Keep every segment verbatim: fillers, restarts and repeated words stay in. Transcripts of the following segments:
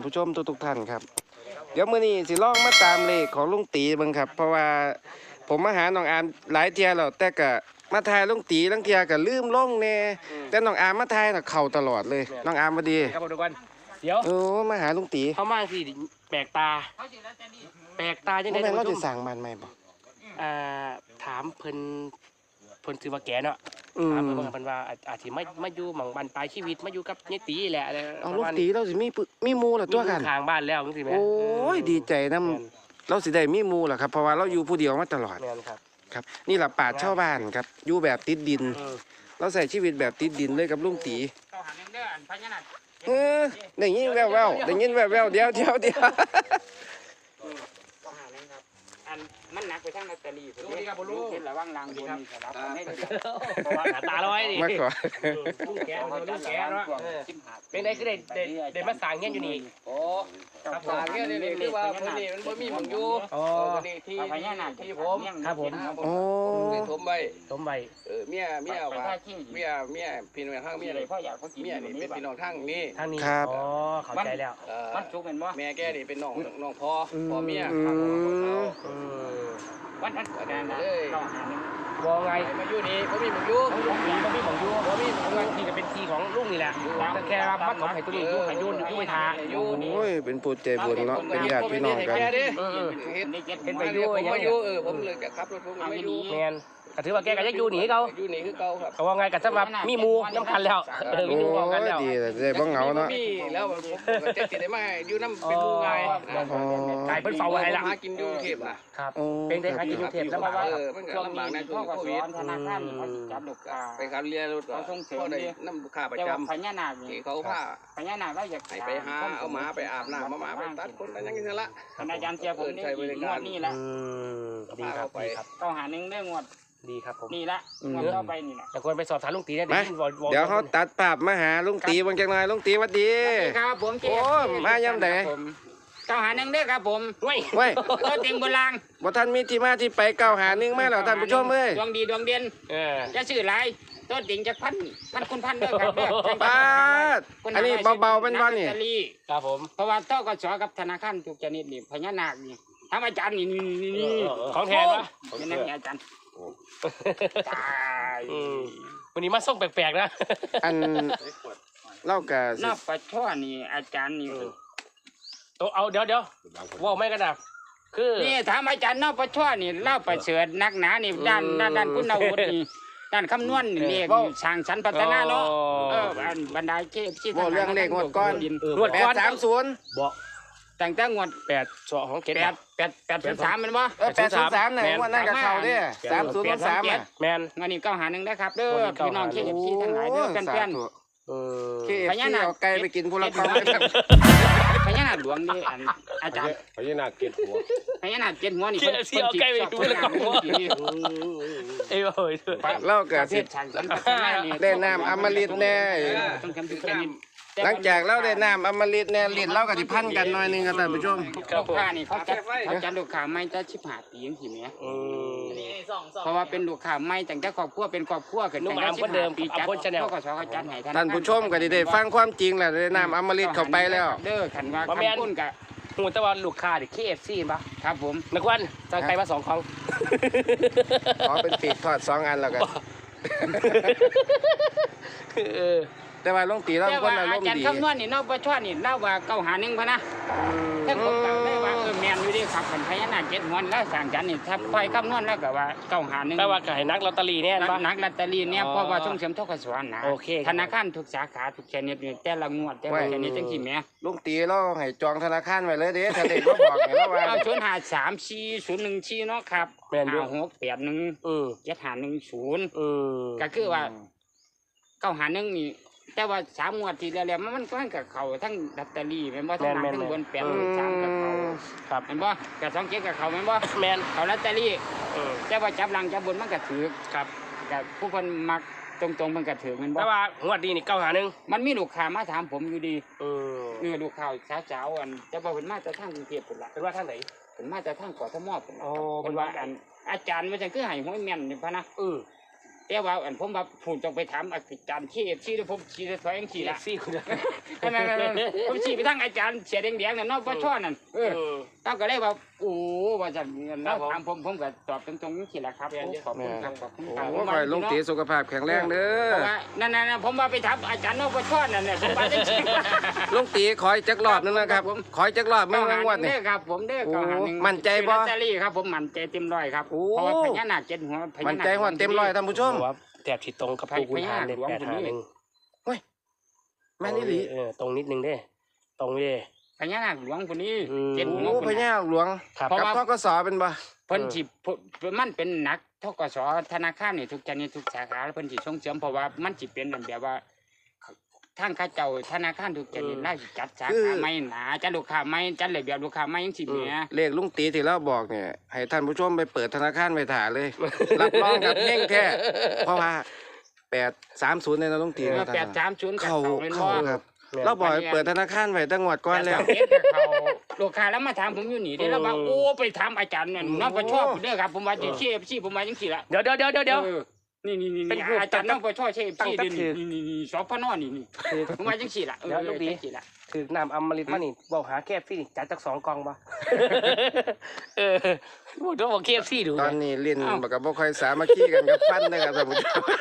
ผู้ชมทุกๆท่านครับเดี๋ยวมื้อนี้สิลองมาตามเลขของลุงตีเบิ่งครับเพราะว่าผมมาหาน้องอามหลายเที่ยแล้วแต่ก็มาทายลุงตีลังเที่ยก็ลืมลงแน่แต่น้องอามมาทายน่ะเข้าตลอดเลยน้องอามบ่ดีครับทุกคนเดี๋ยวโอ้มาหาลุงตีเขามาสิแปลกตาแปลกตาจังได๋แม่นเราสิสร้างบ้านใหม่บ่อ่าถามเพิ่นเพิ่นชื่อว่าแกเนาะอืมถามเพิ่นว่าเพิ่นว่าอาจสิมามาอยู่หม่องบ้านปลายชีวิตมาอยู่กับยายตีแหละอะไรเอาลุงตีเราสิมีมีหมู่ล่ะตัวกันข้างบ้านแล้วจังซี่แม่โอ้ยดีใจนำเราสิได้มีหมู่ล่ะครับเพราะว่าเราอยู่ผู้เดียวมาตลอดแม่นครับครับนี่ล่ะป่าชาวบ้านครับอยู่แบบติดดินเราใส่ชีวิตแบบติดดินเลยกับลุงตีเออได้ยินแว่วๆได้ยินแว่วๆเดี๋ยวเดี๋ยวเดี๋ยวอันมันหนักไปทางลอตเตอรี่ผมเห็นระวังรางบนนี่ครับให้ดีเพราะว่าหน้าตาร้อยดิมาขอลุงแกลุงแกเนาะเป็นได้คือได้ได้ได้มาสร้างเงี้ยอยู่นี่โอ้ครับผมเนี่ยนี่คือว่าพื้นที่มันบ่มีหม่องอยู่อ๋อที่ที่พญานาคที่ผมครับผมโอ้ได้ถมไว้สมใบเออเมียเมียว่าเมียเมียพี่น้องทางเมียนี่พ่ออยากเมียนี่เป็นพี่น้องทางนี้ทางนี้อ๋อเข้าใจแล้วมันสุกเป็นบ่แม่แกนี่เป็นน้องน้องพ่อพ่อเมียอืมวันนั้นก็ได้เลยวอไงมาอยู่นี่บ่มีหม่องอยู่ลุงมีบ่มีของยูบ่มีของมันที่จะเป็นทีของลุงนี่แหละแต่แค่ว่ามัดของไผ่ตัวนี้ยูไผ่ยูนยูไผ่ทาโอ้ยเป็นผู้ใจบุญเนาะเป็นญาติพี่น้องกันเออเห็นเห็นไปอยู่ผมมาอยู่เออผมเลยขับรถผมมาอยู่แมนก็ถือว่าแกก็ยังอยู่หนีเขาอยู่นี่คือเก่าครับเขาว่าไงกันสำหรับมีมูน้ำกันแล้วเออมีโอ้มูน้ำกันแล้วดีเลยได้บ่เหงาเนาะมีแล้วผมก็จะติดได้มาอยู่น้ำเป็นมูไงกลายเป็นเฝ้าอะไรล่ะหากินอยู่เทพอ่ะครับเป็นได้หากินกรุงเทพแล้วมาว่าเออมันก็ลำบากนะช่วงโควิดธนาคารเขาจับลูกค้าไปขับเรือรถพ่อได้น้ำค่าประแต่ว่าจำพญานาคที่นี่เขาผ้าพญานาคเราอยากให้ไปหาเอาหมาไปอาบน้ำมาหมาไปตัดคนอะไรอย่างเงี้ยละอาจารย์เชียร์ผมนี่งวดนี่ละดีครับดีครับเก้าหาหนึ่งได้งวดดีครับผมนี่ละงวดต่อไปนี่ละแต่ควรไปสอบถามลุงตีได้มาเดี๋ยวเขาตัดภาพมาหาลุงตีบางจังหน่อยลุงตีหวัดดีครับผมโอ้มาย่ำไหนเก้าหาหนึ่งได้ครับผมเว้ยเว้ยตัวเต็งโบราณบ่ท่านมีที่มาที่ไปเก้าหาหนึ่งมาแล้วท่านผู้ชมเอ้ยดวงดีดวงเด่นเออจะซื้อหลายตัวเต็งจะพันพันคุณพันด้วยครับป้าดอันนี้เบาๆเป็นบ่นี่ครับผมเพราะว่าต้อกสกับธนาคารทุกชนิดนี่พญานาคนี่ทำอาจารย์นี่นี่นี่ของแทนวะเป็นนักอาจารย์ตายวันนี้มาส่งแปลกๆนะอันเล่ากะนอกปลาช่อนี่อาจารย์นี่ตัวเอาเดี๋ยวเดี๋ยวว่าไม่กันนะคือนี่ถามอาจารย์นอกปลาช่อนี่เล่าประเสริฐนักหนานี่ด้านด้านด้านคุณอาวุธนี่ด้านคำนวณนี่เรียกสร้างสรรค์พัฒนาเนาะเอออันบรรดาเก็บที่บ่เรื่องเลขงวดก้อนงวดแปก้ดอนสามศูนย์บอกแต่งแต่งวดแปดสองของเกตแปดแปดแปดศูนย์สามเป็นบ่เออแปดศูนย์สามเนี่ยงวดนั้นก็เข้าเด้สามศูนย์สามอ่ะแมนงานนี้เก้าหาหนึ่งได้ครับเด้อพี่น้องเก็บที่ทั้งหลายเด้อเพื่อนเออเคเอฟซีเอาไก่ไปกินพลกรเลยครับๆพญานาคหลวงนี่อันอาจารย์พญานาคเก็ดหัวพญานาคเจ็ดหัวนี่เกี่ยวเสียวใกล้ไปดูแล้วก็เอ้ยโอ้ยเล่ากะประเทสิศชาติสันพัฒนานี่ได้น้ำอมฤตแน่ต้องทำทุกชนิดหลังจากเราได้น้ำอมฤตแน่ลิ้นเราก็สิพันกันหน่อยนึงครับท่านผู้ชมลูกค้านี่เขาจัดเขาจัดลูกค้าไม่จะชิบหาปีจังซี่แหมเพราะว่าเป็นลูกค้าไม่ตั้งแต่ครอบครัวเป็นครอบครัวขึ้นตั้งแต่สิบห้าปีจัดพวกก็สอเขาจัดให้ท่านผู้ชมก็ได้ฟังความจริงแหละได้น้ำอมฤตเข้าไปแล้วเด้อคันว่าคำพูดกะหูแต่ว่าลูกค้าดิเคเอฟซีป่ะครับผมนักวันจะใครมาสองของขอเป็นปีกทอดสองอันแล้วกันเออแต่ว่าลุงตีเราแต่คนว่าอารอามณ์จารดีย์คำนวณนี่เนาะบ่ชอนี่เล่าว่าเก้าหาหนึ่งพะนะถ้าผมก็ได้ว่าเออแม่นอยู่ดิครับคันพญานาคเจ็ดหัวแล้วสร้างจันนี่ถ้าค่อยคำนวณแล้วก็ว่าเก้าหาหนึ่งแต่ว่าก็ให้นักลอตเตอรี่แน่ป่ะนักลอตเตอรี่เนี่ยเพราะว่าส่งเสริมทกศนะโอเคธนาคารทุกสาขาทุกชนิดนี่แต่ละงวดแต่ละชนิดจังซี่แหมลุงตีเราให้จองธนาคารไว้เลยเด้ถ้าเด็กก็บอกให้เราว่าเอาศูนย์ห้าสามสี่ศูนย์หนึ่งสี่เนาะครับแม่นอยู่ห้าหกแปดหนึ่งอืมเจ็ดห้าหนึ่งศูนย์อืมก็คือว่าเก้าหาหนึ่งนี่แต่ว่าสามงวดที่แล้วมันก็กับเขาทั้งลอตเตอรี่แม่นบ่ทั้งหลังทั้งบนแปดสามกับเขาครับแม่นบ่กับสองเจ็ดกับเขาแม่นบ่แมนเขาลอตเตอรี่เออแต่ว่าจับหลังจับบนมันก็ถือครับกับผู้คนมักตรงๆมันก็ถือแม่นบ่แต่ว่างวดนี้นี่เก้าหาหนึ่งมันมีลูกค้ามาถามผมอยู่ดีเออเนื้อลูกค้าสาวๆอันจะบอกเพิ่นมาจากทางกรุงเทพพุ่นล่ะเป็นว่าท่านไหนเพิ่นมาจากทางกทมพุ่นล่ะโอ้เพิ่นว่าอันอาจารย์ว่าจังคือให้หวยแม่นนี่พะนะอืมแต่ว่าอันผมว่าผมต้องไปถามอาจารย์ชี้ชี้แล้วผมชี้ถอยยังชี้ละซี่คุณนั่นๆๆผมชี้ไปทางอาจารย์เสียแดงๆนั่นเนาะบ่ช่อนั่นเออเขาก็เลยว่าโอ้ว่าจะเราถามผมผมก็ตอบตรงๆจังซี่ล่ะครับขอบคุณครับขอบคุณครับโอ้ขอให้ลุงตีสุขภาพแข็งแรงเด้อนั่นๆๆผมว่าไปถามอาจารย์นพช่อนั่นน่ะผมว่าจังซี่ลุงตีขออีกจักรอบนึงนะครับขออีกจักรอบเมื่องวดนี่เด้อครับผมเด้อโอ้เก้าหาหนึ่งมั่นใจบ่ลอตเตอรี่ครับผมมั่นใจเต็มร้อยครับโอ้เพราะว่าพญานาคเจ็ดหัวพญานาคมันใจหัวเต็มร้อยท่านผู้ชมว่าแถบที่ตรงกับปูคุณหารเลยแปดหาหนึ่งแม่นอี่หลีเออตรงนิดนึงเด้ตรงนี้พญานาคหลวงคนนี้อืมเจ็ดหัวโอ้คนพนี้ญาหลวงครับเพราะกับว่าทกสเป็นบ่เพิ่นสิเพิ่นมันเป็นหนักทกสธนาคารนี่ทุกชนิดทุกสาขาเพิ่นสิส่งเสริมเพราะว่ามันสิเป็นแบบว่าทางข้าเจ้าธนาคารทุกชนิดน่าสิจัดสาขาใหม่หนาจัดลูกค้าใหม่จัดระเบียบลูกค้าใหม่จังซี่แหมเลขลุงตีที่เราบอกเนี่ยให้ท่านผู้ชมไปเปิดธนาคารไว้ถ่าเลย รับรองกับเฮงแท้เพราะว่าแปดสามศูนย์เนี่ยนะลุงตีเออนะแปดสามศูนย์เข้าเป็นเข้าบ่ครับ เราบอกให้เปิดธนาคารไว้ตั้งงวดก่อนแล้วเฮ็ดกับเขาลูกค้าแล้วมาถามผมอยู่นี่ได้แล้วว่าโอ้ไปถามอาจารย์นั่นน้องก็ชอบเด้อครับผมว่าจะเชฟซี่ผมว่าจังซี่ล่ะเดี๋ยวเดี๋ยวเดี๋ยวเดี๋ยวเออนี่นี่นี่เป็นรูปอาจารย์น้องก็ชอบเชฟตั้งซี่แต่นี่ถือนี่นี่นี่สพนนี่นี่ผมว่าจังซี่ล่ะเออเดี๋ยวลูกดีจังซี่ล่ะถือน้ำอมฤตมานี่บอกหาแคบซี่จัดจากสองกองบ่เออพูดถึงบอกแคบซี่ดูตอนนี้เล่นบักกับบ่ค่อยสามัคคีกันกับฟันนะครับท่านผู้ชม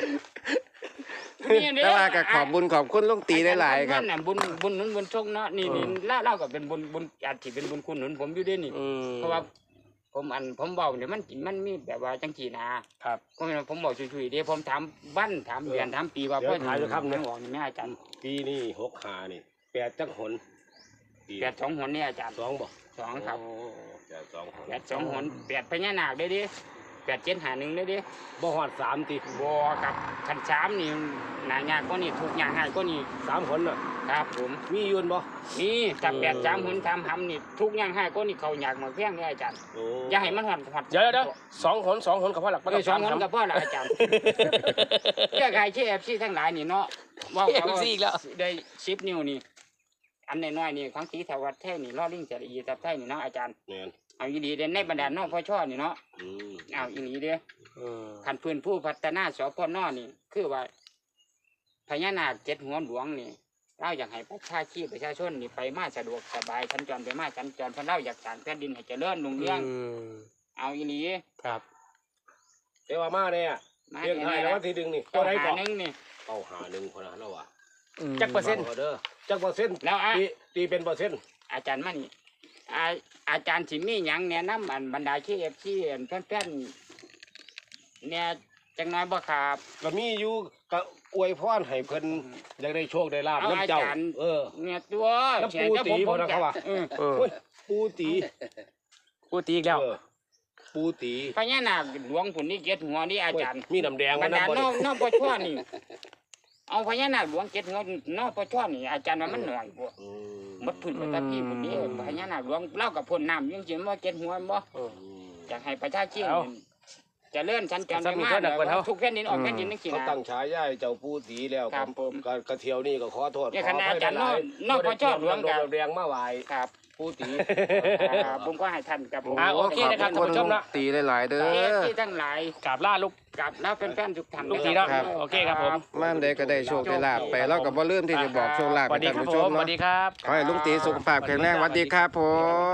แต่ว่าก็ขอบบุญขอบคุณลุงตีหลายๆครับอาจาย์บุญบุญหนุนบุญชงเนาะนี่นี่ล่าเล่าก็เป็นบุญบุญอาจสิเป็นบุญคุณหนุนผมอยู่ด้วยนี่อืมเพราะว่าผมอันผมเว้าเนี่ยมันมันมีแบบว่าจังซี่นะครับ ผมผมบอกช่วยๆเด้ผมถามวันถามเดือนถามปีว่าเดี๋ยวเพิ่นถามอยู่ครับนึกออกนี่แม่อาจารย์ปีนี้หกหานี่แปดจักหนปีแปดสองหนนี่อาจารย์สองบ่สองครับโอ้แปดสองหนแปดสองหนแปดพญานาคได้ดิแปดเจ็ดหาหนึ่งได้ดิบ่ฮอดสามติบัวกับขันสามนี่หนายากก็นี่ถูกยากง่ายก็นี่สามคนน่ะครับผมมีอยืนบ่นี่ถ้าแปดสามหนทำหำนี่ทุกอย่างให้ก็นี่เขาอยากมาเพียงเลยอาจารย์โอ้อย่าให้มันหอดหอดเดี๋ยวเดี๋ยวสองหนสองหนกับพ่อหลักเออสองหนกับพ่อละอาจารย์แก้ไขเชฟซีทั้งหลายนี่เนาะว่าเขาได้สิบนิ้วนี่อันน้อยๆนี่ของสีสวัสดิ์แท้นี่ล่อลิงเสรีตับไทยนี่เนาะอาจารย์แม่นเอาอีหลีเด่นในบรรดาน้องพ่อช่อนี่เนาะอืมเอาอีหลีเด้ออืมขันพื้นผู้พัฒนาสพนนี่คือว่าพญานาคเจ็ดหัวหลวงนี่เราอยากให้ประชาชีพประชาชนนี่ไปมาสะดวกสบายสัญจรไปมาสัญจรเพราะเราอยากสร้างแผ่นดินให้เจริญรุ่งเรืองอืมเอาอีหลีครับแต่ว่ามาเนี่ยมาเรียกไทยแล้ววันที่หนึ่งนี่ตัตัว วไหไหนนก่ก่ออนนึงนี่เอาหาหนึ่งคนนะแล้วว่ะจักเปอร์เซ็นต์เด้อจักเปอร์เซ็นต์แล้วอ่ะตีตีเป็นเปอร์เซ็นต์อาจารย์มานี่อาอาจารย์สิมีหยังแนะนำอันบรรดาชีเอฟซีแฟนๆเนี่ยจังน้อยบ่ครับก็มีอยู่ก็อวยพรให้เพิ่นอยากได้โชคได้ลาบเอาน้ำเจ้าอาจารย์เออเนี่ยตัวน้ำปูตีบ่นะเขาว่าเออเออโอ้ยปูตีกูตีอีกแล้วเออปูตีพญานาคหลวงผุนนี่เจ็ดหัวนี่อาจารย์มีน้ำแดงบรมารดาน้ำบ่นนี่อกนอกปช่อนี่ เอาพญานาคหลวงเจ็ดหัวนอกปช่อนี่อาจารย์ว่ามันหน่อยบ่อืมหมดพื้นประตาพี่ผุนนี่พญานาคหลวงเล่ากับพ่นน้ำยังสิว่าเจ็ดหัวบ่อืมอยากให้ประชาชนเอาเจะเลื่อนสัญจรไปสามีมาเพิ่นน่ะเพิ่นเอาทุกแผ่นดินออกแผ่นดินนึกสิเขานะตั้งฉายาให้เจ้าปูตีแล้วครับผมก็กระเทียวนี่ก็ขอโทษเนี่ยขอคณะอภัอาจารย์หลายนอกบ่ได้นอกพระเจ้าหลวงเตรียมครับน้ำแดงมาไหว้ครับปูตีอ่าผมก็ให้ท่านกับผมอ่าโอเคนะครับขอบท่านผู้ชมนะตีหลายๆเด้เอฟอซีทั้งหลายกราบล่าลูกกับแล้วเป็นแฟนทุกท่านลูกทีเนาะครับโอเคครับผมม่านใดก็ได้โชคได้ลาบไปเราก็บ่ลืมที่จะบอกโชคลาภสวัสดีให้ครัท่าบนผู้ผชมมสวัเนาะสดีครับขอให้ลุงตีสุขภาพแข็งแรงสวัสดีครับผม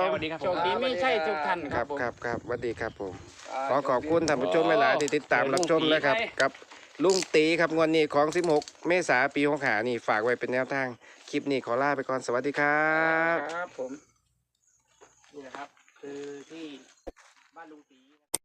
สวัสดีครับโชคดีไม่ใช่ทุกท่านคครัรับบผมครับครับสวัสดีครับผม ขอขอบคุณท่านผู้ชมหลายๆที่ติดตามรับชมนะครับ กับลุงตีครับงวดนี้ของสิบหกเมษายนปีหกห้านี่ฝากไว้เป็นแนวทาง คลิปนี้ขอลาไปก่อนสวัสดีครับครับผมนี่นะครับ คือที่บ้านลุงตี